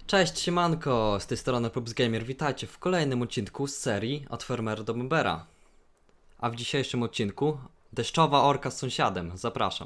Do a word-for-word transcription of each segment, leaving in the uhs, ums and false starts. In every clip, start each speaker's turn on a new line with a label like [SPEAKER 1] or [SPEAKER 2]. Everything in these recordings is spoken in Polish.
[SPEAKER 1] Cześć, siemanko, z tej strony PupsGamer, witajcie w kolejnym odcinku z serii Od Fermera do Bombera. A w dzisiejszym odcinku deszczowa orka z sąsiadem, zapraszam.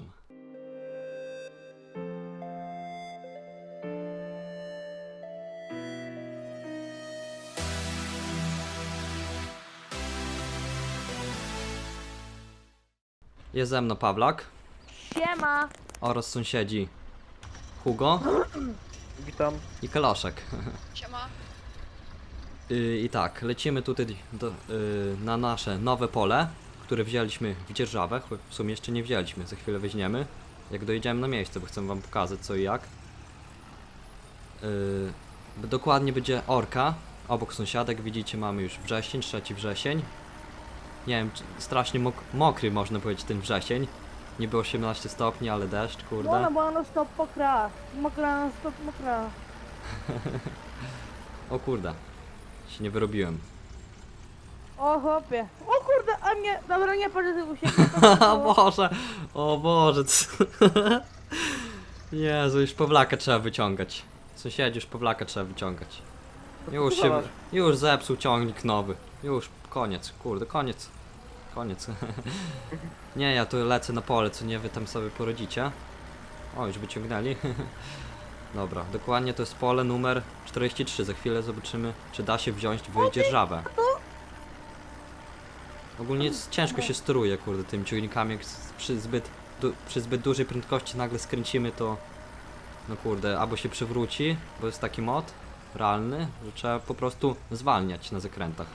[SPEAKER 1] Jest ze mną Pawlak
[SPEAKER 2] Siema!
[SPEAKER 1] oraz sąsiedzi Hugo
[SPEAKER 3] Witam.
[SPEAKER 1] i Kaloszek.
[SPEAKER 4] Siema.
[SPEAKER 1] Yy, I tak, lecimy tutaj do, yy, na nasze nowe pole, które wzięliśmy w dzierżawę. W sumie jeszcze nie wzięliśmy, za chwilę weźmiemy. Jak dojedziemy na miejsce, bo chcę wam pokazać co i jak. Yy, dokładnie będzie orka. Obok sąsiadek widzicie, mamy już wrzesień, trzeci wrzesień. Nie wiem, czy- strasznie mok mokry można powiedzieć ten wrzesień. Niby osiemnaście stopni, ale deszcz, kurde.
[SPEAKER 2] Bona, bo no stop pokra. Mokra, no stop mokra.
[SPEAKER 1] O kurde, się nie wyrobiłem.
[SPEAKER 2] O chłopie. O kurde, a mnie. Dobra, nie patrzę tego się.
[SPEAKER 1] O Boże, o Boże, co? Jezu, już Pawlaka trzeba wyciągać. Sąsiedzi, już Pawlaka trzeba wyciągać. Już się, już zepsuł ciągnik nowy. Już, koniec, kurde, koniec. Koniec. Nie, ja tu lecę na pole, co nie wy tam sobie porodzicie. O, już wyciągnęli. Dobra, dokładnie to jest pole numer czterdzieści trzy. Za chwilę zobaczymy, czy da się wziąć w dzierżawę. Ogólnie jest, ciężko się steruje, kurde, tymi ciągnikami, jak s- przy zbyt, du, przy zbyt dużej prędkości nagle skręcimy, to no kurde, albo się przewróci, bo jest taki mod realny, że trzeba po prostu zwalniać na zakrętach.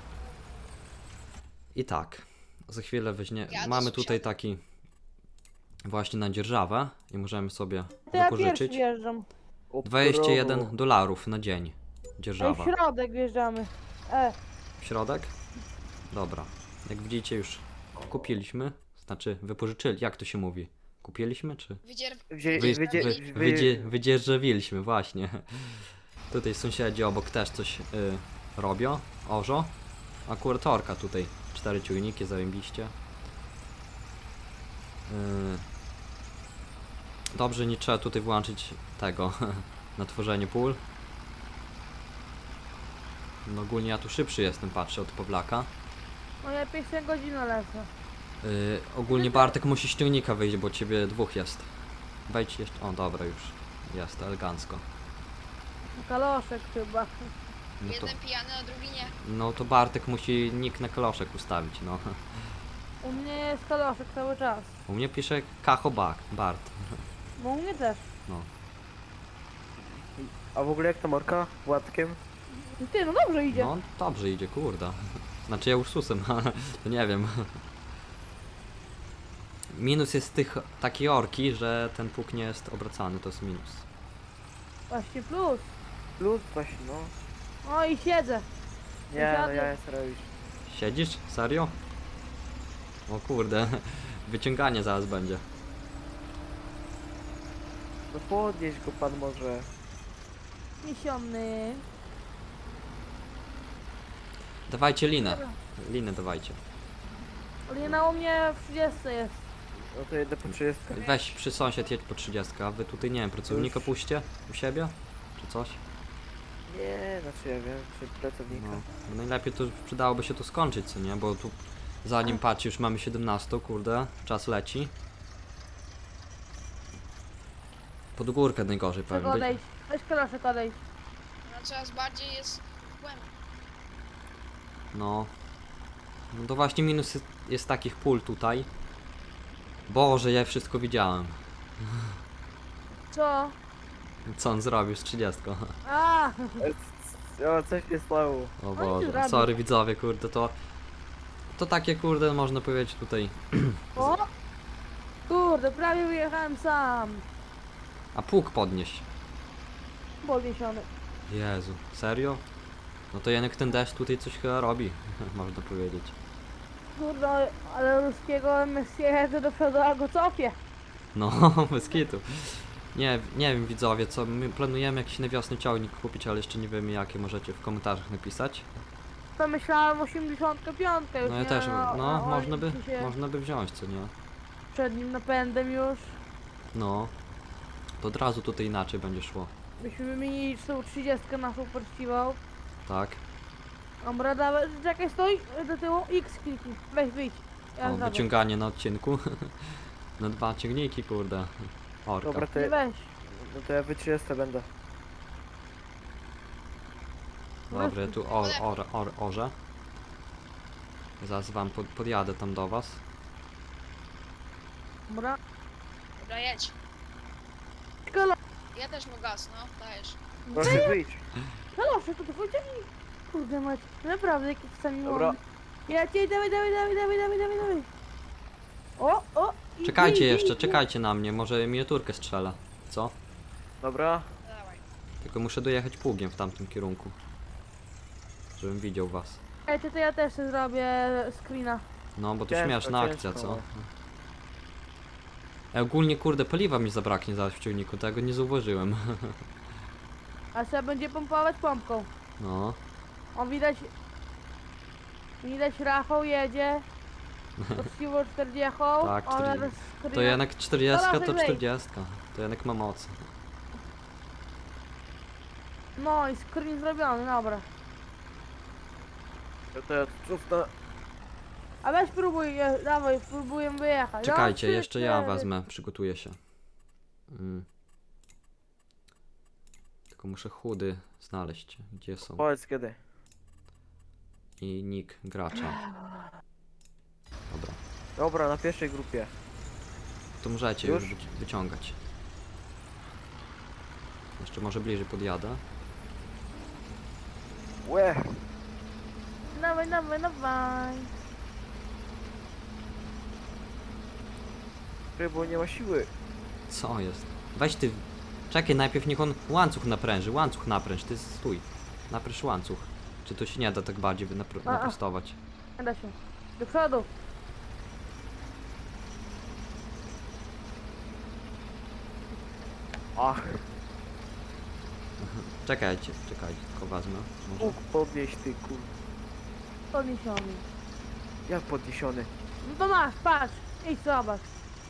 [SPEAKER 1] I tak, za chwilę weźmie,
[SPEAKER 4] Ja do
[SPEAKER 1] mamy tutaj
[SPEAKER 4] sąsiada.
[SPEAKER 1] taki właśnie na dzierżawę i możemy sobie
[SPEAKER 2] To ja pierwszy
[SPEAKER 1] wypożyczyć
[SPEAKER 2] wjeżdżam.
[SPEAKER 1] dwadzieścia jeden dolarów na dzień
[SPEAKER 2] Ej, w
[SPEAKER 1] dzierżawa.
[SPEAKER 2] środek wjeżdżamy. E,
[SPEAKER 1] W środek? Dobra. Jak widzicie już kupiliśmy, znaczy wypożyczyli, jak to się mówi? Kupiliśmy czy?
[SPEAKER 4] Wydzier...
[SPEAKER 3] Wzię,
[SPEAKER 1] Wy,
[SPEAKER 3] wydzie,
[SPEAKER 1] wy,
[SPEAKER 3] wy,
[SPEAKER 1] wydzie, wydzierżawiliśmy, właśnie. Tutaj sąsiedzi obok też coś y, robią, orzo. Akurat orka tutaj, cztery ciągniki, zarębiście. Y, dobrze, nie trzeba tutaj włączyć tego na tworzenie pól. No ogólnie ja tu szybszy jestem, patrzę od Pawlaka.
[SPEAKER 2] no ja pierwszą godzinę lecę.
[SPEAKER 1] Yy, ogólnie Bartek musi z ciągnika wyjść, bo ciebie dwóch jest. Wejdź jeszcze. O, dobra, już. Jest, elegancko.
[SPEAKER 2] Kaloszek chyba.
[SPEAKER 1] No to,
[SPEAKER 4] Jeden pijany, a drugi nie.
[SPEAKER 1] no to Bartek musi nick na kaloszek ustawić, no.
[SPEAKER 2] U mnie jest kaloszek cały czas.
[SPEAKER 1] U mnie pisze Kacho Bak, Bart.
[SPEAKER 2] No u mnie też.
[SPEAKER 1] No.
[SPEAKER 3] A w ogóle jak ta morka? Władkiem?
[SPEAKER 2] Ty, no dobrze idzie.
[SPEAKER 1] No, dobrze idzie, kurde. Znaczy ja Ursusem, to nie wiem. Minus jest tych takiej orki, że ten pług nie jest obracany, to jest minus.
[SPEAKER 2] Właśnie plus.
[SPEAKER 3] Plus właśnie, no.
[SPEAKER 2] O i siedzę.
[SPEAKER 3] Nie, no
[SPEAKER 2] Sąsiady.
[SPEAKER 3] ja jestem robisz.
[SPEAKER 1] Siedzisz? Serio? O kurde, wyciąganie zaraz będzie.
[SPEAKER 3] No podnieś go pan może.
[SPEAKER 2] Niesiony.
[SPEAKER 1] Dawajcie linę. Linę dawajcie.
[SPEAKER 2] Lina u mnie w trzydziestce jest.
[SPEAKER 3] No to jedę po trzydziestkę.
[SPEAKER 1] Weź przy sąsiad jedź po trzydziestkę, a wy tutaj nie wiem, pracownika
[SPEAKER 3] Już.
[SPEAKER 1] puśćcie u siebie? Czy coś?
[SPEAKER 3] Nie, znaczy ja wiem, czy pracownika.
[SPEAKER 1] No. Bo najlepiej to przydałoby się to skończyć, co nie? Bo tu zanim patrz już mamy siedemnaście, kurde, czas leci. Pod górkę najgorzej
[SPEAKER 2] Czego
[SPEAKER 1] pewnie.
[SPEAKER 2] odejść? Weź kaloszek odejść.
[SPEAKER 4] No coraz bardziej jest głębiej.
[SPEAKER 1] No. No to właśnie minus jest, jest takich pól tutaj. Boże, ja wszystko widziałem.
[SPEAKER 2] Co?
[SPEAKER 1] Co on zrobił z trzydziestką?
[SPEAKER 2] A,
[SPEAKER 3] O, coś się stało.
[SPEAKER 1] O
[SPEAKER 2] nie
[SPEAKER 1] Boże,
[SPEAKER 2] zrobił.
[SPEAKER 1] sorry widzowie, kurde, to... To takie, kurde, można powiedzieć tutaj...
[SPEAKER 2] o! Kurde, prawie wyjechałem sam.
[SPEAKER 1] A pług podnieść.
[SPEAKER 2] Podniesiony.
[SPEAKER 1] Jezu, serio? No to jednak ten deszcz tutaj coś chyba robi, można powiedzieć.
[SPEAKER 2] Kurde, ale ruskiego M S jedzie do przodu, a go cofię.
[SPEAKER 1] No, bez kitu. Nie, nie wiem widzowie, co my planujemy jakiś na wiosnę ciągnik kupić, ale jeszcze nie wiemy jakie, możecie w komentarzach napisać.
[SPEAKER 2] To myślałem osiemdziesiąt pięć już
[SPEAKER 1] No ja
[SPEAKER 2] nie,
[SPEAKER 1] też,
[SPEAKER 2] no,
[SPEAKER 1] no,
[SPEAKER 2] a
[SPEAKER 1] można by,
[SPEAKER 2] oni się
[SPEAKER 1] można by wziąć, co nie?
[SPEAKER 2] Przed nim napędem już.
[SPEAKER 1] No. To od razu tutaj inaczej będzie szło.
[SPEAKER 2] byśmy wymienili tą trzydziestkę na super chciwał.
[SPEAKER 1] Tak.
[SPEAKER 2] Dobra, dawaj, czekaj, stoi do tyłu, X kliknij, weź wyjdź. Ja
[SPEAKER 1] O,
[SPEAKER 2] zrobię.
[SPEAKER 1] wyciąganie na odcinku. Na dwa ciągniki, kurde. Orka.
[SPEAKER 3] Dobra, to,
[SPEAKER 2] Nie
[SPEAKER 3] ja-
[SPEAKER 2] weź.
[SPEAKER 3] no to ja wy trzydzieści będę.
[SPEAKER 1] Dobra, ja tu or, or, or, orze. Zaraz wam pod, podjadę tam do was.
[SPEAKER 2] Dobra.
[SPEAKER 4] Dobra, jedź.
[SPEAKER 2] Kalo,
[SPEAKER 4] Ja też mu gaz, no, dajesz.
[SPEAKER 3] Proszę wyjdź.
[SPEAKER 2] kalosze, to to wyciągnij. Kurde mać, naprawdę jakiś sami
[SPEAKER 3] Dobra.
[SPEAKER 2] Ja cię, dawaj, dawaj, dawaj, dawaj, dawaj, dawaj, dawaj. O, o. i-
[SPEAKER 1] Czekajcie
[SPEAKER 2] i- i-
[SPEAKER 1] jeszcze,
[SPEAKER 2] i-
[SPEAKER 1] czekajcie na mnie, może miniaturkę strzela. Co?
[SPEAKER 3] Dobra.
[SPEAKER 4] Dawaj.
[SPEAKER 1] Tylko muszę dojechać pługiem w tamtym kierunku. Żebym widział was.
[SPEAKER 2] Ej, to, to ja też sobie zrobię screena.
[SPEAKER 1] No, bo to
[SPEAKER 3] Ciężko,
[SPEAKER 1] śmieszna
[SPEAKER 3] ciężko,
[SPEAKER 1] akcja, co?
[SPEAKER 3] no.
[SPEAKER 1] E, ogólnie, kurde, paliwa mi zabraknie zaraz w ciągniku, tego nie zauważyłem.
[SPEAKER 2] A trzeba będzie pompować pompką.
[SPEAKER 1] No,
[SPEAKER 2] On widać... Widać Rafał jedzie. Poczciwo czterdzieści.
[SPEAKER 1] Tak,
[SPEAKER 2] on
[SPEAKER 1] czterdzieści.
[SPEAKER 2] teraz
[SPEAKER 1] to
[SPEAKER 2] screena.
[SPEAKER 1] jednak czterdziestka to
[SPEAKER 2] Dobra, wyżej.
[SPEAKER 1] czterdziestka. To jednak ma moc.
[SPEAKER 2] No i screen zrobiony, dobra.
[SPEAKER 3] To, to ja tu cofnę.
[SPEAKER 2] A weź spróbuj, e, dawaj, spróbuję wyjechać.
[SPEAKER 1] Czekajcie,
[SPEAKER 2] Raz,
[SPEAKER 1] jeszcze
[SPEAKER 2] trzy,
[SPEAKER 1] ja
[SPEAKER 2] cztery.
[SPEAKER 1] wezmę, przygotuję się. Mm. Tylko muszę chudy znaleźć, gdzie są.
[SPEAKER 3] Powiedz kiedy.
[SPEAKER 1] I nick gracza. Dobra,
[SPEAKER 3] Dobra, na pierwszej grupie.
[SPEAKER 1] to możecie
[SPEAKER 3] Już?
[SPEAKER 1] już wyci- wyciągać. Jeszcze może bliżej podjadę.
[SPEAKER 3] Łe.
[SPEAKER 2] Dawaj, dawaj, dawaj.
[SPEAKER 3] Bo nie ma siły.
[SPEAKER 1] Co jest? Weź ty. Czekaj, najpierw niech on łańcuch napręży. Łańcuch napręż, ty stój. Napręż łańcuch. Czy to się nie da tak bardziej napr
[SPEAKER 2] A, a.
[SPEAKER 1] naprostować?
[SPEAKER 2] Nie da się. Do przodu.
[SPEAKER 3] Ach,
[SPEAKER 1] Czekajcie, czekajcie, tylko wezmę. Może.
[SPEAKER 3] Bóg podnieś ty kur...
[SPEAKER 2] Podniesiony.
[SPEAKER 3] Jak podniesiony?
[SPEAKER 2] No to masz, patrz. Idź zobacz.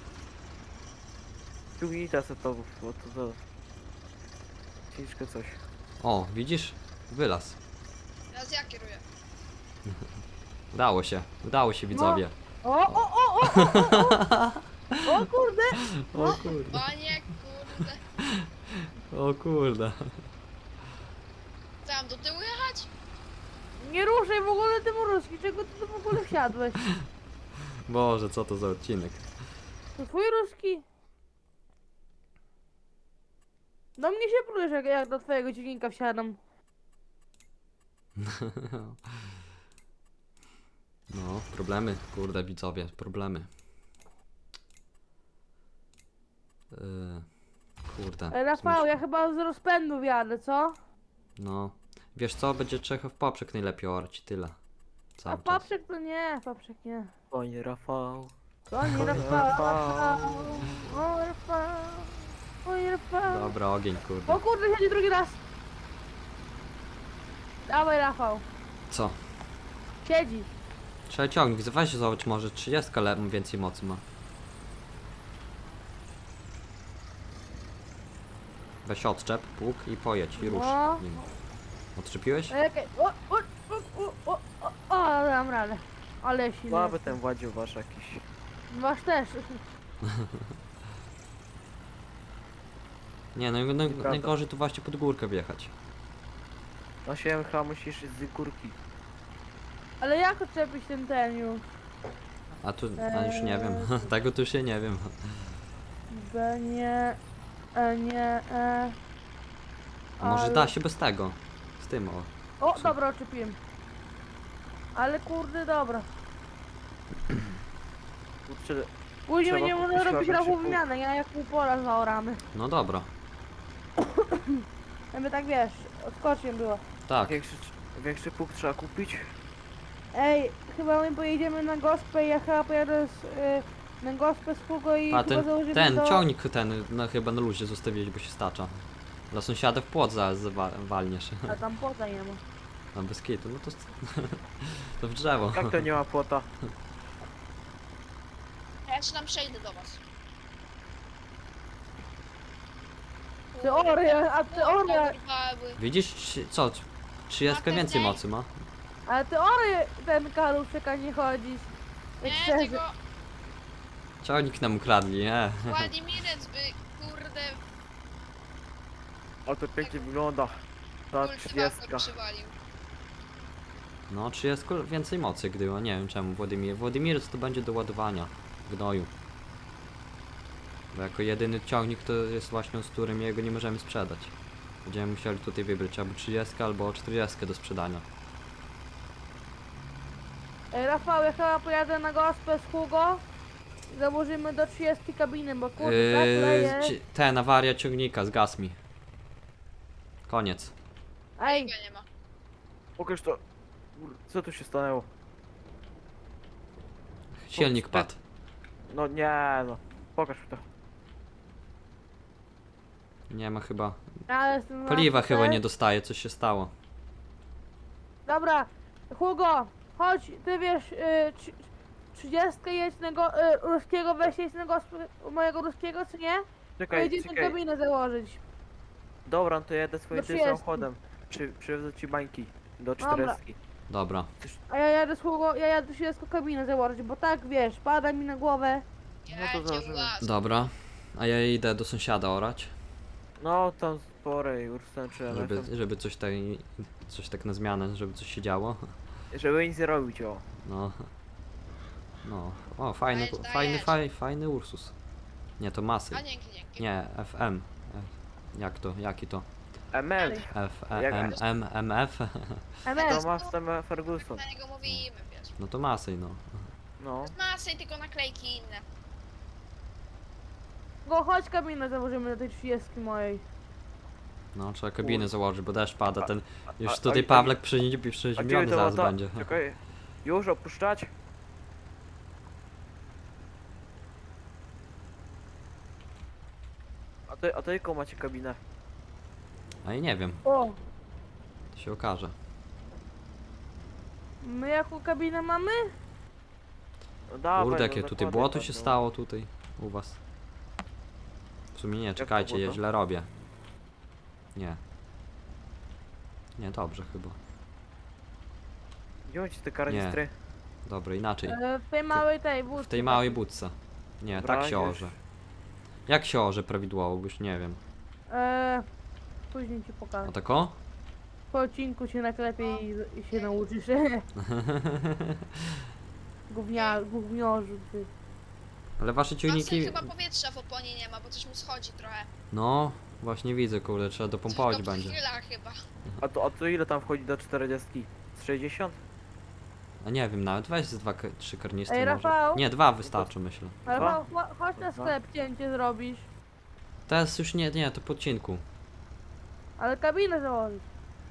[SPEAKER 3] Tu unita setowów, bo to to... Ciężko coś.
[SPEAKER 1] O, widzisz? Wylaz.
[SPEAKER 4] Teraz ja kieruję.
[SPEAKER 1] Udało się, udało się widzowie.
[SPEAKER 2] O, o, o, o, o, o, o. O kurde.
[SPEAKER 1] O kurde,
[SPEAKER 4] Panie, kurde.
[SPEAKER 1] o kurde.
[SPEAKER 4] Co, mam do tyłu jechać?
[SPEAKER 2] Nie ruszaj w ogóle tym ruski. Czego ty tu w ogóle wsiadłeś?
[SPEAKER 1] Boże, co to za odcinek.
[SPEAKER 2] To twój ruski? Do mnie się plujesz, jak, jak do twojego dźwignika wsiadam.
[SPEAKER 1] No, problemy, kurde widzowie, problemy. Yy, kurde.
[SPEAKER 2] Ej, Rafał,
[SPEAKER 1] zmyśl-
[SPEAKER 2] ja chyba z rozpędu wjadę, co?
[SPEAKER 1] No, wiesz co, będzie Czechów poprzek najlepiej orać, tyle.
[SPEAKER 2] A
[SPEAKER 1] Cały czas.
[SPEAKER 2] paprzek to nie, paprzek nie.
[SPEAKER 3] Panie Rafał.
[SPEAKER 2] To nie
[SPEAKER 3] Oj,
[SPEAKER 2] Rafał,
[SPEAKER 3] Rafał.
[SPEAKER 2] Rafał, o Rafał, oj Rafał.
[SPEAKER 1] Dobra, ogień,
[SPEAKER 2] O
[SPEAKER 1] kurde.
[SPEAKER 2] kurde, siedzi drugi raz. Dawaj Rafał,
[SPEAKER 1] Co?
[SPEAKER 2] siedzi.
[SPEAKER 1] Trzeba ciągnik, weź zobacz, może trzydzieści le więcej mocy ma. Weź odczep, pług i pojedź i rusz
[SPEAKER 2] No.
[SPEAKER 1] nim. Odczepiłeś?
[SPEAKER 2] Ej, okej. O, o, o, o, o, o, o, dam radę. Ale silny.
[SPEAKER 3] Słaby ten Władził wasz jakiś.
[SPEAKER 2] Masz też.
[SPEAKER 1] Nie, no, no
[SPEAKER 3] Nieprawda.
[SPEAKER 1] najgorzej tu właśnie pod górkę wjechać.
[SPEAKER 3] Na siebie chyba musisz z górki.
[SPEAKER 2] Ale jak odczepić ten ten już?
[SPEAKER 1] A tu, a już nie wiem, tego tu się nie wiem.
[SPEAKER 2] B nie, E nie, E.
[SPEAKER 1] A może
[SPEAKER 2] Ale-
[SPEAKER 1] da się bez tego? Z tym o.
[SPEAKER 2] O, dobra, odczepiłem. Ale kurde, dobra.
[SPEAKER 3] Kurczę,
[SPEAKER 2] Później
[SPEAKER 3] Trzeba
[SPEAKER 2] będziemy
[SPEAKER 3] kupić
[SPEAKER 2] robić
[SPEAKER 3] lepszy
[SPEAKER 2] rachą
[SPEAKER 3] pług.
[SPEAKER 2] wymianę, ja jak pół pola zaoramy.
[SPEAKER 1] No dobra,
[SPEAKER 2] Jakby tak wiesz, odskocznie było.
[SPEAKER 1] tak.
[SPEAKER 3] większy, większy pług trzeba kupić.
[SPEAKER 2] Ej, chyba my pojedziemy na gospę, ja chyba pojadę z, y, na gospę z Hugo i
[SPEAKER 1] A
[SPEAKER 2] chyba
[SPEAKER 1] ten,
[SPEAKER 2] założymy
[SPEAKER 1] ten
[SPEAKER 2] do...
[SPEAKER 1] ciągnik ten no, chyba na luzie zostawiłeś, bo się stacza. Dla sąsiada w płot zaraz zawa- walniesz.
[SPEAKER 2] A tam płota nie ma.
[SPEAKER 1] A bez kitu, no to, to w drzewo.
[SPEAKER 3] Jak to nie ma płota?
[SPEAKER 4] A ja ci tam przejdę do was.
[SPEAKER 2] Teoria, a teoria,
[SPEAKER 4] Urwały.
[SPEAKER 1] Widzisz, trzy- co? trzydzieści więcej mocy ma.
[SPEAKER 2] ale teoria ten kaluszek, a nie chodzić. Tak
[SPEAKER 4] Nie,
[SPEAKER 2] szczerze.
[SPEAKER 4] tego
[SPEAKER 1] Ciągnik nam ukradli, nie?
[SPEAKER 4] Władimirec by, kurde,
[SPEAKER 3] O, to pięknie wygląda. Ta
[SPEAKER 4] kultywator
[SPEAKER 3] trzydziestka.
[SPEAKER 4] przywalił.
[SPEAKER 1] No, trzydzieści więcej mocy gdyła, nie wiem czemu Władimir. Władimir to będzie do ładowania gnoju. Bo jako jedyny ciągnik to jest właśnie z którym jego nie możemy sprzedać. Będziemy musieli tutaj wybrać albo trzydzieści albo czterdzieści do sprzedania.
[SPEAKER 2] Ej, Rafał, ja chyba pojadę na gospę z Hugo i założymy do trzydziestki kabiny, bo kurde, tak
[SPEAKER 1] Yy,
[SPEAKER 2] leje.
[SPEAKER 1] ci- ten, awaria ciągnika, zgasł mi. Koniec.
[SPEAKER 2] Ej,
[SPEAKER 4] Tego nie ma.
[SPEAKER 3] Pokaż to. Kur- Co tu się stanęło?
[SPEAKER 1] Silnik
[SPEAKER 3] te-
[SPEAKER 1] padł.
[SPEAKER 3] No nie no. Pokaż mi to.
[SPEAKER 1] Nie ma chyba.
[SPEAKER 2] ja jestem na
[SPEAKER 1] Paliwa chyba
[SPEAKER 2] gospę.
[SPEAKER 1] nie dostaje, coś się stało.
[SPEAKER 2] Dobra, Hugo, chodź, ty wiesz, y, trzy- trzydziestkę jedź na go, y, ruskiego, weź jedź na gospę u mojego ruskiego, czy nie?
[SPEAKER 3] Czekaj,
[SPEAKER 2] Pojedziemy
[SPEAKER 3] czekaj.
[SPEAKER 2] kabinę założyć.
[SPEAKER 3] Dobra, no to jedę swoim
[SPEAKER 2] Do
[SPEAKER 3] tym
[SPEAKER 2] trzydziestki.
[SPEAKER 3] samochodem. Przy, przywiozę ci bańki. Do
[SPEAKER 2] Dobra.
[SPEAKER 3] czterdzieści.
[SPEAKER 1] Dobra.
[SPEAKER 2] A ja jadę z Hugo, ja jadę trzydziestką kabinę założyć, bo tak, wiesz, pada mi na głowę.
[SPEAKER 3] No
[SPEAKER 4] Ja
[SPEAKER 3] to
[SPEAKER 4] cię
[SPEAKER 3] założymy.
[SPEAKER 4] łaz.
[SPEAKER 1] Dobra. A ja idę do sąsiada orać,
[SPEAKER 3] No tam spore już skończyłem.
[SPEAKER 1] żeby, żeby coś tak, coś tak na zmianę, żeby coś się działo.
[SPEAKER 3] Żeby nic nie robić, o.
[SPEAKER 1] No. No. O, fajny,
[SPEAKER 4] Dajesz,
[SPEAKER 1] fajny,
[SPEAKER 4] dajesz.
[SPEAKER 1] faj, fajny Ursus. Nie, to Masy.
[SPEAKER 4] A dzięki, dzięki.
[SPEAKER 1] Nie, F M. F- Jak to? Jaki to?
[SPEAKER 3] M L.
[SPEAKER 1] F, E,
[SPEAKER 3] Jak-
[SPEAKER 1] M, M, M, F?
[SPEAKER 3] To
[SPEAKER 2] M S,
[SPEAKER 3] ma w tym Ferguson.
[SPEAKER 4] Na niego mówimy, wiesz.
[SPEAKER 1] No to Masy, no.
[SPEAKER 3] No.
[SPEAKER 4] Masy, tylko naklejki inne.
[SPEAKER 2] Hugo, chodź kabinę założymy do tej trzydziestki mojej.
[SPEAKER 1] No, trzeba kabinę założyć, bo deszcz pada, ten... Już
[SPEAKER 3] a-
[SPEAKER 1] tutaj
[SPEAKER 3] a-
[SPEAKER 1] Pawlek przyzi-
[SPEAKER 3] A gdzie
[SPEAKER 1] przeziębiony
[SPEAKER 3] to
[SPEAKER 1] zaraz
[SPEAKER 3] lata?
[SPEAKER 1] będzie.
[SPEAKER 3] Czekaj. Już opuszczać? A to, a to jaką macie kabinę?
[SPEAKER 1] A i nie wiem,
[SPEAKER 2] O,
[SPEAKER 1] to się okaże.
[SPEAKER 2] my jaką kabinę mamy?
[SPEAKER 3] No dawaj,
[SPEAKER 1] Kurde,
[SPEAKER 3] no
[SPEAKER 1] jakie tutaj
[SPEAKER 3] zakładaj
[SPEAKER 1] błoto
[SPEAKER 3] tam,
[SPEAKER 1] się
[SPEAKER 3] no.
[SPEAKER 1] stało tutaj u was. W sumie nie,
[SPEAKER 3] to
[SPEAKER 1] czekajcie, ja
[SPEAKER 3] błoto?
[SPEAKER 1] źle robię. Nie. Nie, dobrze chyba.
[SPEAKER 3] Gdzie macie te karnistry?
[SPEAKER 1] Dobra, inaczej.
[SPEAKER 2] E, w tej małej tej
[SPEAKER 1] W
[SPEAKER 2] budce.
[SPEAKER 1] tej małej budce. Nie,
[SPEAKER 3] Dobra,
[SPEAKER 1] tak się
[SPEAKER 3] już.
[SPEAKER 1] orze. Jak się orze prawidłowo, bo już nie wiem.
[SPEAKER 2] E, później ci
[SPEAKER 1] A
[SPEAKER 2] pokażę.
[SPEAKER 1] tak o?
[SPEAKER 2] Po odcinku się naklepie i, i się nauczysz. Gównia, gówniorzu, ty.
[SPEAKER 1] Ale wasze
[SPEAKER 4] Masy
[SPEAKER 1] ciągniki...
[SPEAKER 4] chyba powietrza w oponie nie ma, bo coś mu schodzi trochę.
[SPEAKER 1] No, właśnie widzę, kurde, trzeba dopompować
[SPEAKER 4] Coś go
[SPEAKER 1] będzie.
[SPEAKER 4] przychyla chyba.
[SPEAKER 3] A to, a to ile tam wchodzi do czterdziestki? Z sześćdziesiąt?
[SPEAKER 1] A nie wiem, nawet weź z dwa, k- trzy karnistry
[SPEAKER 2] Ej,
[SPEAKER 1] może.
[SPEAKER 2] Rafał?
[SPEAKER 1] Nie, dwa wystarczy, myślę.
[SPEAKER 2] Ale
[SPEAKER 3] Dwa?
[SPEAKER 2] cho- cho- chodź na
[SPEAKER 3] Dwa?
[SPEAKER 2] sklep, cięcie zrobisz.
[SPEAKER 1] Teraz już nie, nie, to po odcinku.
[SPEAKER 2] Ale kabinę założyć.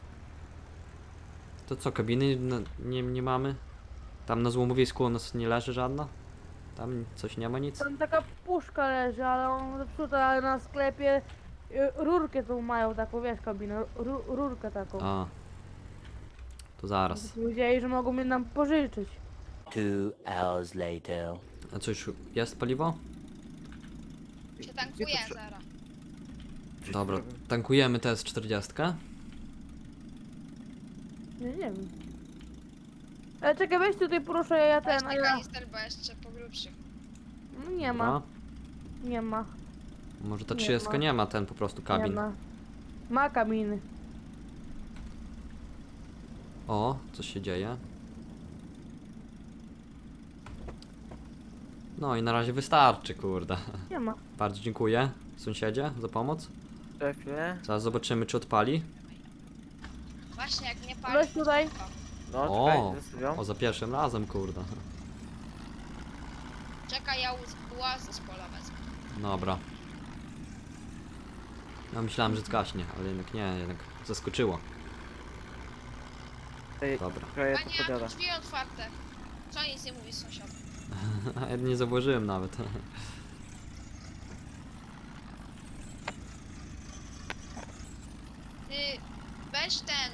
[SPEAKER 1] To co, kabiny na, nie, nie mamy? Tam na złomowisku u nas nie leży żadna? Tam coś nie ma nic?
[SPEAKER 2] Tam taka puszka leży, ale on zepsuta, ale na sklepie y, rurkę tą mają taką, wiesz, kabinę, ru, rurkę taką.
[SPEAKER 1] A. To zaraz.
[SPEAKER 2] Powiedzieli, że mogą mnie nam pożyczyć.
[SPEAKER 5] Two hours later.
[SPEAKER 1] A co, już jest paliwo?
[SPEAKER 4] Się
[SPEAKER 3] Gdzie
[SPEAKER 4] tankuje
[SPEAKER 3] to trze-
[SPEAKER 4] zaraz.
[SPEAKER 3] Gdzie
[SPEAKER 1] Dobra,
[SPEAKER 3] to-
[SPEAKER 1] tankujemy teraz czterdzieści.
[SPEAKER 2] Nie, nie wiem. Ale czekaj, weź tutaj proszę, ja
[SPEAKER 4] Weź
[SPEAKER 2] ten, a
[SPEAKER 4] ten
[SPEAKER 2] ja...
[SPEAKER 4] kanister, bo jeszcze po grubszych.
[SPEAKER 2] No nie ma, nie ma,
[SPEAKER 1] Może ta
[SPEAKER 2] Nie
[SPEAKER 1] trzydzieści
[SPEAKER 2] ma.
[SPEAKER 1] nie ma ten po prostu
[SPEAKER 2] nie
[SPEAKER 1] kabin.
[SPEAKER 2] ma. Ma kabiny.
[SPEAKER 1] O, coś się dzieje. No i na razie wystarczy, kurde.
[SPEAKER 2] Nie ma.
[SPEAKER 1] Bardzo dziękuję, sąsiedzie, za pomoc.
[SPEAKER 3] Szefie?
[SPEAKER 1] Zaraz zobaczymy, czy odpali.
[SPEAKER 4] Właśnie, jak nie pali.
[SPEAKER 2] Weź tutaj.
[SPEAKER 3] No,
[SPEAKER 1] O,
[SPEAKER 3] czekaj, zostawiam.
[SPEAKER 1] o, za pierwszym razem, kurde.
[SPEAKER 4] Czekaj, ja łaz- łazę z pola wezmę.
[SPEAKER 1] Dobra. Ja myślałem, że zgaśnie, ale jednak nie, jednak zaskoczyło.
[SPEAKER 3] Ej,
[SPEAKER 1] Dobra.
[SPEAKER 3] czekaj, ja to
[SPEAKER 4] Panie, a
[SPEAKER 3] podjadę.
[SPEAKER 4] tu drzwi otwarte. Co nic nie mówi sąsiad?
[SPEAKER 1] Ja nie zauważyłem nawet.
[SPEAKER 4] Ty, weź ten.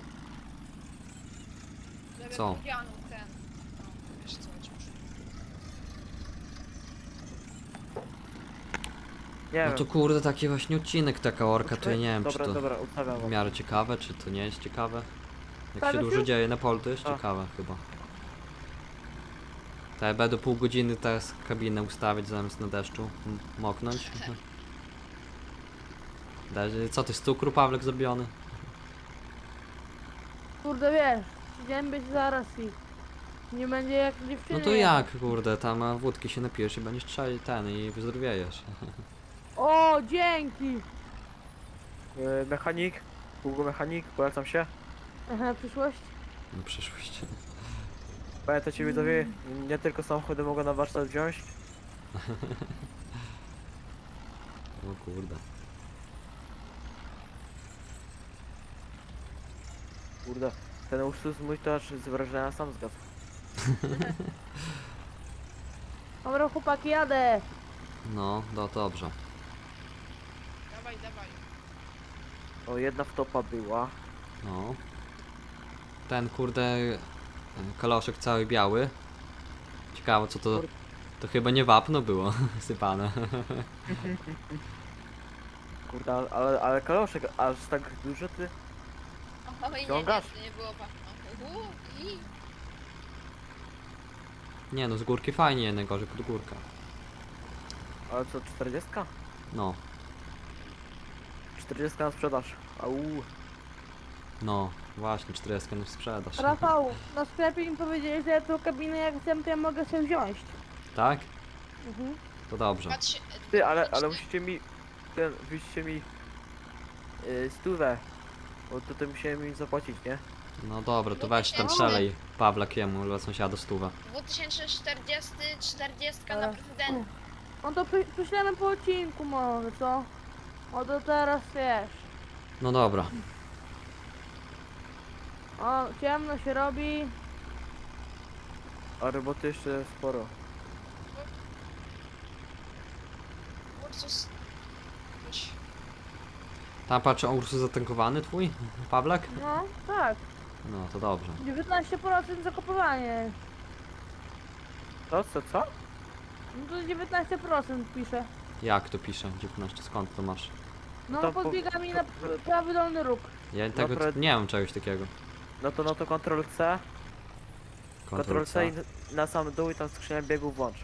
[SPEAKER 4] Żeby
[SPEAKER 1] Co?
[SPEAKER 4] Julianów ten. No, wiesz co, chodzi już.
[SPEAKER 3] Nie
[SPEAKER 1] No
[SPEAKER 3] wiem.
[SPEAKER 1] to kurde, taki właśnie odcinek, taka orka, to ja nie wiem,
[SPEAKER 3] dobra,
[SPEAKER 1] czy to
[SPEAKER 3] dobra, ustawiam
[SPEAKER 1] w
[SPEAKER 3] wam.
[SPEAKER 1] miarę ciekawe, czy to nie jest ciekawe. Jak się
[SPEAKER 2] Stawiasz
[SPEAKER 1] dużo
[SPEAKER 2] już?
[SPEAKER 1] dzieje na polu, to jest
[SPEAKER 3] A.
[SPEAKER 1] ciekawe chyba. To ja będę pół godziny teraz kabinę ustawiać zamiast na deszczu m- moknąć. Daj- Co ty z cukru, Pawlek, zrobiony?
[SPEAKER 2] Kurde wiesz, idziemy być zaraz i nie będzie jak dziewczyny.
[SPEAKER 1] No to jak, kurde, tam a, wódki się napijesz i będziesz trzej ten i wyzdrowiejesz.
[SPEAKER 2] O, dzięki!
[SPEAKER 3] Yy, mechanik, Hugo mechanik, polecam się.
[SPEAKER 2] Aha, przyszłość?
[SPEAKER 1] Na przyszłość.
[SPEAKER 3] Pamiętajcie widzowie, nie tylko samochody mogą na warsztat wziąć.
[SPEAKER 1] O kurde.
[SPEAKER 3] Kurde, ten Ursus mój to aż z wrażenia sam zgasł.
[SPEAKER 2] Dobra chłopaki, jadę!
[SPEAKER 1] No, no dobrze.
[SPEAKER 4] Dawaj, dawaj.
[SPEAKER 3] O, jedna wtopa była.
[SPEAKER 1] No. Ten kurde kaloszek cały biały. Ciekawe co to. To chyba nie wapno było sypane.
[SPEAKER 3] Kurde, ale- ale, ale kaloszek aż tak dużo ty?
[SPEAKER 4] Oj, nie, nie,
[SPEAKER 3] Ciągasz?
[SPEAKER 4] to nie było wapno. Uhu, i...
[SPEAKER 1] Nie no, z górki fajnie, najgorzej pod górka.
[SPEAKER 3] Ale co, czterdziestka?
[SPEAKER 1] No,
[SPEAKER 3] czterdziestka na sprzedaż. Au.
[SPEAKER 1] no, właśnie, czterdzieści na sprzedaż.
[SPEAKER 2] Rafał, na sklepie mi powiedzieli, że ja tą kabinę jak chcę, to ja mogę sobie wziąć.
[SPEAKER 1] Tak?
[SPEAKER 2] Mhm.
[SPEAKER 1] To dobrze.
[SPEAKER 4] Patrz,
[SPEAKER 3] Ty, ale, ale musicie mi... Ten, wyście mi... Yy, stówę. Bo to, to musiałem im zapłacić, nie?
[SPEAKER 1] No dobra, to
[SPEAKER 4] No
[SPEAKER 1] weź tam
[SPEAKER 4] właśnie.
[SPEAKER 1] strzelej Pawlakiemu, dla sąsiada stówę.
[SPEAKER 4] dwa tysiące czterdziesty, czterdziestka
[SPEAKER 2] Ale-
[SPEAKER 4] na prezydenta.
[SPEAKER 2] No to przy- przyślemy po odcinku może, co? O to teraz wiesz.
[SPEAKER 1] No dobra.
[SPEAKER 2] O, ciemno się robi.
[SPEAKER 3] A roboty jeszcze sporo.
[SPEAKER 4] Ursus. Chodź.
[SPEAKER 1] Tam patrzę, Ursus zatankowany twój? Pawlak?
[SPEAKER 2] No, tak.
[SPEAKER 1] No to dobrze.
[SPEAKER 2] dziewiętnaście procent zakopowanie.
[SPEAKER 3] Co, co, co?
[SPEAKER 2] No to dziewiętnaście procent pisze.
[SPEAKER 1] Jak to pisze? dziewiętnaście, skąd to masz?
[SPEAKER 2] No
[SPEAKER 3] To po-
[SPEAKER 2] podbiega mi na
[SPEAKER 3] to-
[SPEAKER 2] prawy dolny róg.
[SPEAKER 1] Ja tego
[SPEAKER 3] Dobra.
[SPEAKER 1] nie mam czegoś takiego.
[SPEAKER 3] No to, no to Ctrl C.
[SPEAKER 1] Kontrol
[SPEAKER 3] Ctrl C i
[SPEAKER 1] C.
[SPEAKER 3] na sam dół i tam skrzynia biegów włącz.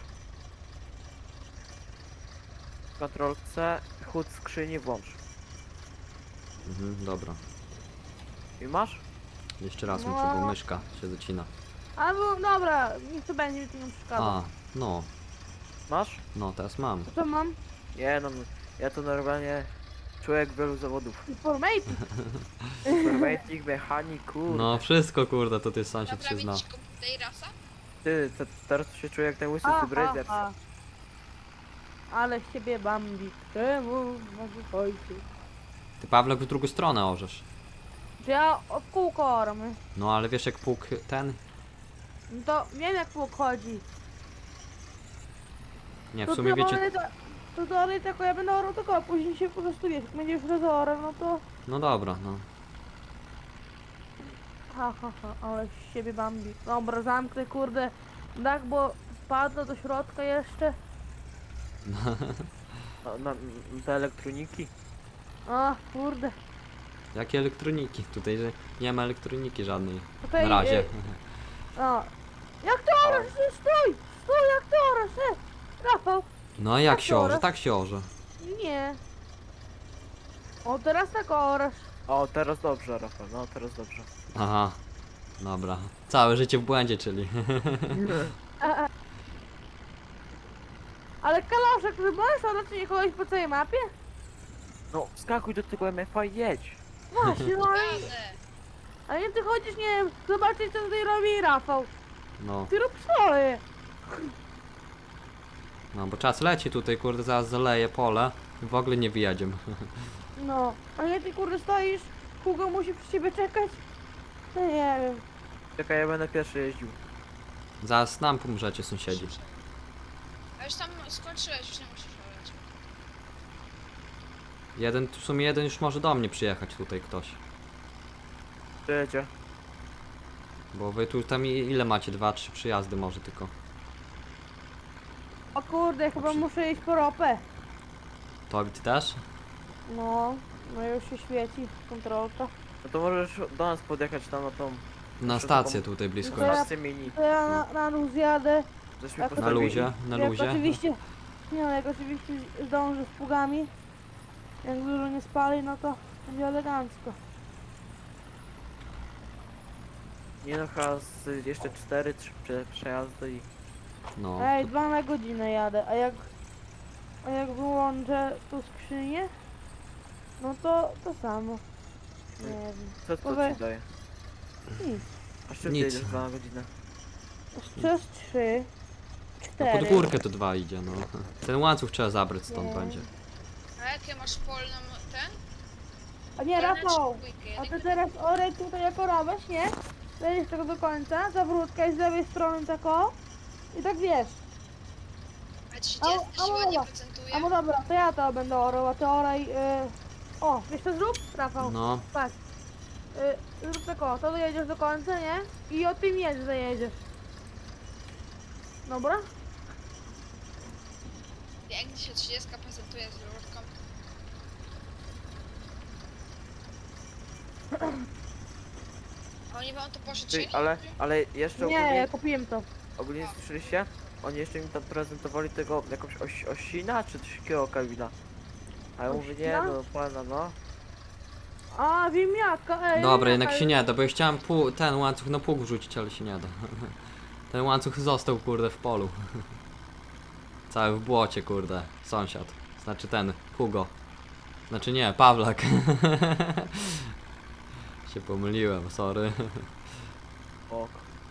[SPEAKER 3] Ctrl C, chód skrzyni włącz.
[SPEAKER 1] Mhm, dobra.
[SPEAKER 3] I masz?
[SPEAKER 1] Jeszcze raz
[SPEAKER 2] No.
[SPEAKER 1] muszę, bo myszka się zacina.
[SPEAKER 2] Albo dobra, niech to będzie, mi to nie przeszkadza.
[SPEAKER 1] A, no,
[SPEAKER 3] Masz?
[SPEAKER 1] no teraz mam.
[SPEAKER 2] To co mam?
[SPEAKER 3] Nie no, ja to normalnie człowiek wielu zawodów.
[SPEAKER 2] Informatik.
[SPEAKER 3] Informatik, mechanik, kurde.
[SPEAKER 1] No wszystko kurde, to ty sąsiad się zna.
[SPEAKER 4] Naprawić ci komputer i rasa?
[SPEAKER 3] Ty, te, teraz to się czuję jak ten łysy
[SPEAKER 2] Aha,
[SPEAKER 3] z Brazers.
[SPEAKER 2] aha. Ale z ciebie Bambi. Czemu może ojciec?
[SPEAKER 1] Ty Pawlek w drugą stronę orzesz.
[SPEAKER 2] Czy ja od kółko ormy?
[SPEAKER 1] No ale wiesz jak pług ten?
[SPEAKER 2] No to wiem jak pług chodzi.
[SPEAKER 1] Nie, w
[SPEAKER 2] To
[SPEAKER 1] sumie wiecie...
[SPEAKER 2] teoretycznie- To dalej tylko ja będę orał tylko, a później się po prostu wiesz, jak będzie już rezorem, no to...
[SPEAKER 1] No dobra, no.
[SPEAKER 2] Ha ha ha, ale z siebie Bambi. Dobra, zamknę kurde dach, bo wpadnę do środka jeszcze.
[SPEAKER 3] Na, na, na te elektroniki.
[SPEAKER 2] A, kurde.
[SPEAKER 1] Jakie elektroniki? Tutaj że nie ma elektroniki żadnej.
[SPEAKER 2] Tutaj,
[SPEAKER 1] Na razie.
[SPEAKER 2] y, A. Jak to orasz? Ty Stój! Stój, jak to orasz? E, Rafał!
[SPEAKER 1] No a jak
[SPEAKER 2] tak
[SPEAKER 1] się orze?
[SPEAKER 2] oraz.
[SPEAKER 1] Tak się orze.
[SPEAKER 2] Nie. O, teraz tak orasz.
[SPEAKER 3] O, teraz dobrze, Rafał, no teraz dobrze.
[SPEAKER 1] Aha. Dobra. Całe życie w błędzie, czyli.
[SPEAKER 2] A, a. Ale kaloszek, ty możesz raczej kogoś po całej mapie?
[SPEAKER 3] No, skakuj do tego M F A i jedź.
[SPEAKER 2] Właśnie, no ale,
[SPEAKER 4] Jadę.
[SPEAKER 2] ale nie ty chodzisz, nie wiem, zobaczyć co tutaj robi Rafał.
[SPEAKER 1] No,
[SPEAKER 2] Ty rób swoje.
[SPEAKER 1] no bo czas leci tutaj, kurde, zaraz zaleje pole. W ogóle nie wyjedziemy.
[SPEAKER 2] No, a nie ty kurde stoisz, Hugo musi przy ciebie czekać? No nie wiem.
[SPEAKER 3] Czekaj, ja będę pierwszy jeździł.
[SPEAKER 1] Zaraz nam pomrzecie sąsiedzi.
[SPEAKER 4] A już tam skończyłeś, już nie musisz orać.
[SPEAKER 1] Jeden, w sumie jeden już może do mnie przyjechać tutaj ktoś.
[SPEAKER 3] Przyjedzie.
[SPEAKER 1] Bo wy tu tam i- ile macie? Dwa, trzy przyjazdy może tylko.
[SPEAKER 2] O kurde, chyba muszę iść po ropę.
[SPEAKER 1] Tobie ty też?
[SPEAKER 2] No, no już się świeci kontrolka.
[SPEAKER 3] No to możesz do nas podjechać tam na tą
[SPEAKER 1] Na
[SPEAKER 3] Proszę
[SPEAKER 1] stację
[SPEAKER 3] pana.
[SPEAKER 1] tutaj blisko
[SPEAKER 2] To ja-
[SPEAKER 1] jest.
[SPEAKER 3] stację mini.
[SPEAKER 2] To ja na, na luz jadę.
[SPEAKER 3] Żeśmy
[SPEAKER 2] Jak-
[SPEAKER 1] Na
[SPEAKER 3] postawili.
[SPEAKER 1] luzie, na
[SPEAKER 2] jak
[SPEAKER 1] luzie.
[SPEAKER 2] oczywiście, nie no, jak oczywiście zdążę z pługami. Jak dużo nie spali, no to będzie elegancko.
[SPEAKER 3] Nie no, chyba z jeszcze cztery, trzy prze, przejazdy i...
[SPEAKER 1] No.
[SPEAKER 2] Ej, dwa na godzinę jadę, a jak, a jak wyłączę tu skrzynię, no to to samo. Nie wiem,
[SPEAKER 3] Co to
[SPEAKER 2] Powie-
[SPEAKER 3] ci daje?
[SPEAKER 2] nic.
[SPEAKER 3] A szybciej
[SPEAKER 1] Nic.
[SPEAKER 3] jedziesz dwa na godzinę.
[SPEAKER 2] Przez trzy,
[SPEAKER 1] No
[SPEAKER 2] cztery.
[SPEAKER 1] pod górkę to dwa idzie, no. Ten łańcuch trzeba zabrać stąd
[SPEAKER 2] Nie.
[SPEAKER 1] będzie.
[SPEAKER 4] A jakie masz polną ten?
[SPEAKER 2] A nie,
[SPEAKER 4] Polną czy
[SPEAKER 2] Rafał,
[SPEAKER 4] dwójkę?
[SPEAKER 2] a ty
[SPEAKER 4] Jedynkę?
[SPEAKER 2] teraz orek tutaj jako robisz, nie? Lecisz tego do końca, zawrótka z lewej strony tak o. I tak wiesz.
[SPEAKER 4] A trzydziestka
[SPEAKER 2] a
[SPEAKER 4] siła nie
[SPEAKER 2] mowa.
[SPEAKER 4] procentuje?
[SPEAKER 2] A no dobra, to ja to będę orał, a ty oraj... Yy... O, wiesz co zrób? Rafał,
[SPEAKER 1] No.
[SPEAKER 2] patrz. Yy, zrób tak o, to dojedziesz do końca, nie? I o tym jedzie zajedziesz. Dobra?
[SPEAKER 4] Jak się trzydziestka prezentuje z rurką? A oni wam to pożyczyli?
[SPEAKER 3] Ty, ale, ale jeszcze
[SPEAKER 2] Nie, ja
[SPEAKER 3] ogólnie,
[SPEAKER 2] kupiłem to.
[SPEAKER 3] ogólnie słyszeliście? Oni jeszcze mi tam prezentowali tego jakąś oś, osina czy coś takiego kabina. A ja mówię, nie
[SPEAKER 2] Osina?
[SPEAKER 3] no, pana no.
[SPEAKER 2] A, ziemniaka, ej.
[SPEAKER 1] Dobra,
[SPEAKER 2] ziemniaka
[SPEAKER 1] jednak się
[SPEAKER 2] już-
[SPEAKER 1] nie da, bo ja chciałem pół, ten łańcuch na pług wrzucić, ale się nie da. Ten łańcuch został, kurde, w polu. Cały w błocie, kurde. Sąsiad. Znaczy ten, Hugo. Znaczy nie, Pawlak. Się pomyliłem, sorry.
[SPEAKER 3] O,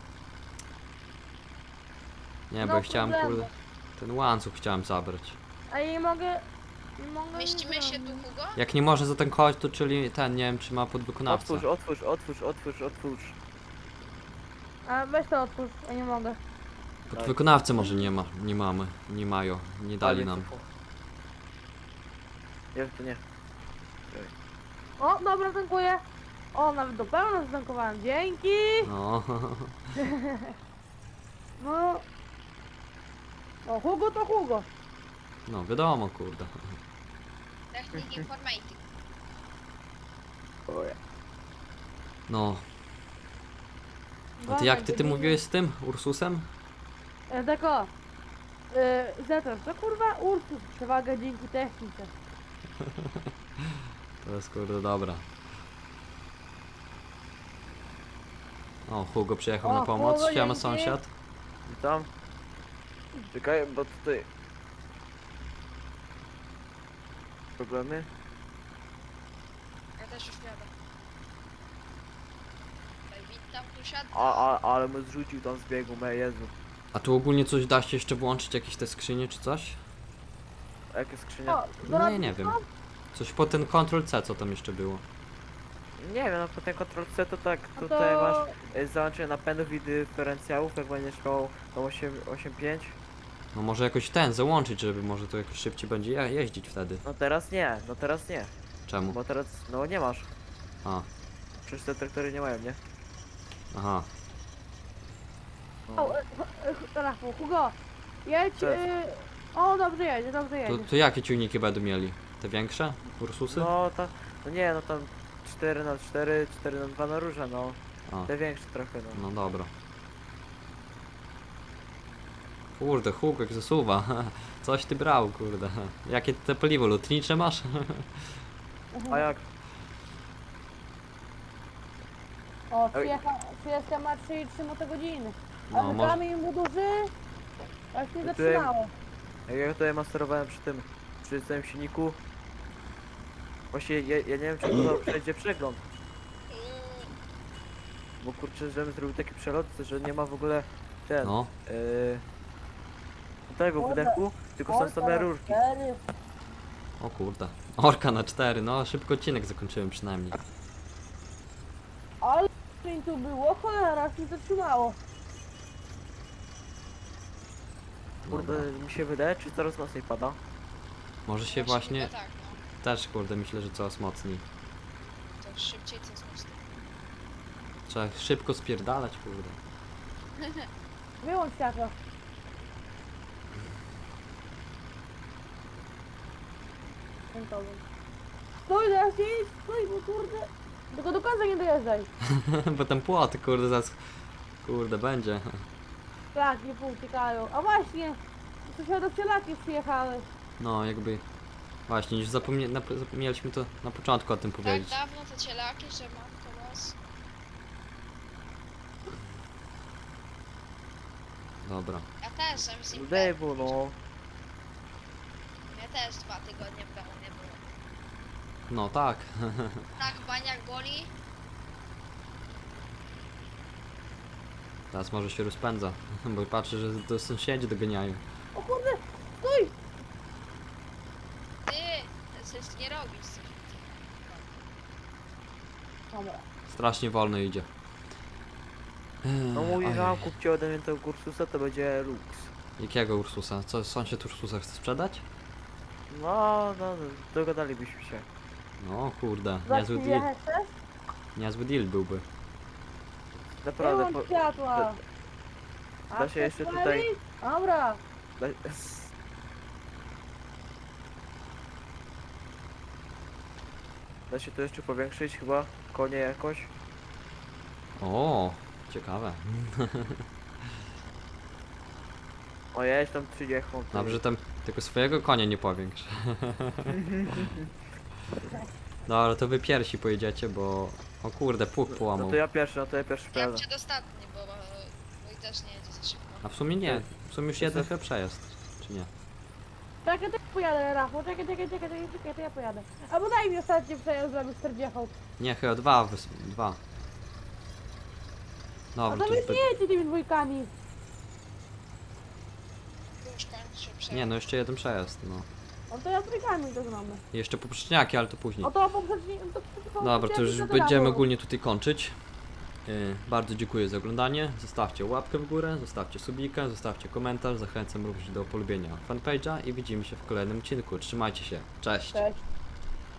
[SPEAKER 1] Nie, bo
[SPEAKER 2] No
[SPEAKER 1] ja chciałem,
[SPEAKER 2] problemu.
[SPEAKER 1] kurde, ten łańcuch chciałem zabrać.
[SPEAKER 2] A ja nie mogę... Nie mogę
[SPEAKER 4] Mieścimy
[SPEAKER 2] nie
[SPEAKER 4] się tu,
[SPEAKER 2] zrobić.
[SPEAKER 4] Hugo?
[SPEAKER 1] Jak nie może za ten kość, to czyli ten, nie wiem, czy ma podwykonawcę.
[SPEAKER 3] otwórz, otwórz, otwórz, otwórz, otwórz.
[SPEAKER 2] A weź to otwórz, ja nie mogę.
[SPEAKER 1] Podwykonawcy może nie ma, nie mamy, nie mają, nie dali
[SPEAKER 3] Ale
[SPEAKER 1] nam.
[SPEAKER 3] cicho. Nie, to nie.
[SPEAKER 2] O, dobra, dziękuję. O, nawet do pełna zatankowałem, dzięki.
[SPEAKER 1] No.
[SPEAKER 2] No. O, Hugo to Hugo.
[SPEAKER 1] No, wiadomo, kurde.
[SPEAKER 4] Technik informatyk.
[SPEAKER 3] O, ja.
[SPEAKER 1] No. A
[SPEAKER 2] Dwa
[SPEAKER 1] ty
[SPEAKER 2] na
[SPEAKER 1] jak ty, ty
[SPEAKER 2] godzinę.
[SPEAKER 1] mówiłeś z tym Ursusem?
[SPEAKER 2] E, tak o. E, Zetor, to kurwa Ursus, przewaga dzięki technice.
[SPEAKER 1] To jest kurde dobra. O, Hugo przyjechał
[SPEAKER 2] O,
[SPEAKER 1] na pomoc.
[SPEAKER 2] Hugo,
[SPEAKER 1] Siema
[SPEAKER 2] dzięki.
[SPEAKER 1] sąsiad.
[SPEAKER 3] Witam. Czekaj, bo tutaj... Problemy?
[SPEAKER 4] Ja też już jadę. Tutaj witam, tu siadam.
[SPEAKER 3] A, a, ale my zrzucił tam z biegu, me Jezu.
[SPEAKER 1] A tu ogólnie coś da się jeszcze włączyć? Jakieś te skrzynie czy coś?
[SPEAKER 3] A jakie skrzynia?
[SPEAKER 2] O,
[SPEAKER 1] No nie, nie wiem. Coś po ten Ctrl C, co tam jeszcze było?
[SPEAKER 3] Nie wiem, no po ten Ctrl C to tak,
[SPEAKER 2] A
[SPEAKER 3] tutaj
[SPEAKER 2] to...
[SPEAKER 3] masz e, załączenie napędów i dyferencjałów, jak będziesz miał tą osiem pięć.
[SPEAKER 1] No może jakoś ten załączyć, żeby może to jakoś szybciej będzie je jeździć wtedy.
[SPEAKER 3] No teraz nie, no teraz nie,
[SPEAKER 1] Czemu?
[SPEAKER 3] bo teraz, no nie masz.
[SPEAKER 1] A,
[SPEAKER 3] Przecież te traktory nie mają, nie?
[SPEAKER 1] aha.
[SPEAKER 3] No.
[SPEAKER 2] O, e, e, Rafał, Hugo. Jedź,
[SPEAKER 3] Cześć.
[SPEAKER 2] e, o, dobrze jedzie, dobrze
[SPEAKER 1] To,
[SPEAKER 2] jedzie.
[SPEAKER 1] to jakie ciągniki będą mieli? Te większe? Ursusy?
[SPEAKER 3] No to, no nie, no tam cztery na cztery, cztery na dwa na róże, no.
[SPEAKER 1] A,
[SPEAKER 3] Te większe trochę, no.
[SPEAKER 1] no dobra. Kurde, Hugo jak zasuwa. Coś ty brał, kurde. Jakie te paliwo lotnicze masz?
[SPEAKER 3] A jak?
[SPEAKER 2] O, trzydzieści ma trzy i trzy motogodziny. A
[SPEAKER 1] No,
[SPEAKER 2] no,
[SPEAKER 1] może...
[SPEAKER 2] kamień był duży, aż nie
[SPEAKER 3] Tutaj-
[SPEAKER 2] zatrzymało.
[SPEAKER 3] Jak ja tutaj masterowałem przy tym, przy tym silniku. Właśnie ja, ja nie wiem, czy to przejdzie przegląd. Bo kurczę, żebym zrobił taki przelot, że nie ma w ogóle ten,
[SPEAKER 1] No,
[SPEAKER 3] yy, tego
[SPEAKER 2] Kurde.
[SPEAKER 3] wydechu, tylko są same rurki.
[SPEAKER 2] Cztery.
[SPEAKER 1] o kurde. Orka na cztery, no szybko odcinek zakończyłem przynajmniej.
[SPEAKER 2] Ale mi tu było, cholera, aż nie zatrzymało.
[SPEAKER 3] Kurde,
[SPEAKER 1] Dobra.
[SPEAKER 3] mi się wydaje, czy coraz mocniej pada.
[SPEAKER 1] Może się właśnie...
[SPEAKER 4] chyba tak, no.
[SPEAKER 1] Też kurde, myślę, że coraz mocniej.
[SPEAKER 4] To szybciej, co jest mocno.
[SPEAKER 1] Trzeba szybko spierdalać, kurde.
[SPEAKER 2] Wyłącz światło. Punktowy. Stój, teraz nie idź, stój, bo kurde. Tylko do końca nie dojeżdżaj.
[SPEAKER 1] Bo ten płot, kurde, zaraz... Kurde, będzie.
[SPEAKER 2] Tak, nie pouciekają. A właśnie, sąsiadów cielaki przyjechały.
[SPEAKER 1] No, jakby... Właśnie, już zapomnie... na... zapomnieliśmy to na początku o tym
[SPEAKER 4] Tak
[SPEAKER 1] powiedzieć.
[SPEAKER 4] dawno te cielaki, że matko was.
[SPEAKER 1] Dobra.
[SPEAKER 4] Ja też, a z nim
[SPEAKER 3] Debu, no.
[SPEAKER 4] Ja też dwa tygodnie w domu nie było.
[SPEAKER 1] No tak.
[SPEAKER 4] Tak, baniak boli.
[SPEAKER 1] Teraz może się rozpędza. Bo patrzę, że to sąsiedzi doganiają.
[SPEAKER 2] O kurde, stój!
[SPEAKER 4] Ty, coś nie robisz. Coś.
[SPEAKER 2] Dobra.
[SPEAKER 1] Strasznie wolno idzie.
[SPEAKER 3] No mówi,
[SPEAKER 1] Ojej.
[SPEAKER 3] że mam kupcie ode mnie tego Ursusa, to będzie Lux.
[SPEAKER 1] Jakiego Ursusa? Co, sąsiad Ursusa chce sprzedać?
[SPEAKER 3] No, no, dogadalibyśmy się.
[SPEAKER 1] No kurde,
[SPEAKER 2] Za
[SPEAKER 1] niezły
[SPEAKER 2] chwilę
[SPEAKER 1] deal.
[SPEAKER 2] chcesz?
[SPEAKER 1] Niezły deal byłby.
[SPEAKER 2] Nie
[SPEAKER 3] Naprawdę,
[SPEAKER 2] mam
[SPEAKER 3] po,
[SPEAKER 2] światła.
[SPEAKER 3] da-
[SPEAKER 2] A
[SPEAKER 3] da się jeszcze
[SPEAKER 2] chcesz
[SPEAKER 3] tutaj-
[SPEAKER 2] palić? Dobra.
[SPEAKER 3] da, da się to jeszcze powiększyć chyba? Konie jakoś?
[SPEAKER 1] O, ciekawe.
[SPEAKER 3] O, ja tam trzydzieści.
[SPEAKER 1] Dobrze, tam tylko swojego konia nie powiększ. Dobra, to wy pierwsi pojedziecie, bo... O kurde, pług
[SPEAKER 3] No
[SPEAKER 1] połamał.
[SPEAKER 3] to ja pierwszy, no to ja pierwszy
[SPEAKER 4] Ja
[SPEAKER 3] prawda.
[SPEAKER 4] przedostatni, bo bo mój też nie jedzie za szybko.
[SPEAKER 1] A w sumie nie. W sumie już
[SPEAKER 3] To
[SPEAKER 1] jeden
[SPEAKER 3] jest-
[SPEAKER 1] chyba przejazd. Czy nie?
[SPEAKER 2] Czekaj, to ja pojadę, Rafał. Czekaj, czekaj, czekaj, czekaj, czekaj, to ja pojadę. Albo daj mi ostatni przejazd, żeby czterdzieści.
[SPEAKER 1] Nie, chyba dwa. Wys... Dwa.
[SPEAKER 2] A
[SPEAKER 1] Dobra,
[SPEAKER 2] to
[SPEAKER 1] to
[SPEAKER 2] wy
[SPEAKER 1] już... By...
[SPEAKER 2] nie jedziecie tymi dwójkami.
[SPEAKER 4] Już kończy przejazd.
[SPEAKER 1] Nie, no jeszcze jeden przejazd, no.
[SPEAKER 2] No to ja z trójkami to znamy.
[SPEAKER 1] I jeszcze poprzeczniaki, ale to później.
[SPEAKER 2] O to poprzedni... To, to,
[SPEAKER 1] Dobra, to już
[SPEAKER 2] to
[SPEAKER 1] będziemy
[SPEAKER 2] dało.
[SPEAKER 1] ogólnie tutaj kończyć. Yy, bardzo dziękuję za oglądanie. Zostawcie łapkę w górę, zostawcie subika, zostawcie komentarz. Zachęcam również do polubienia fanpage'a i widzimy się w kolejnym odcinku. Trzymajcie się. Cześć!
[SPEAKER 2] Cześć.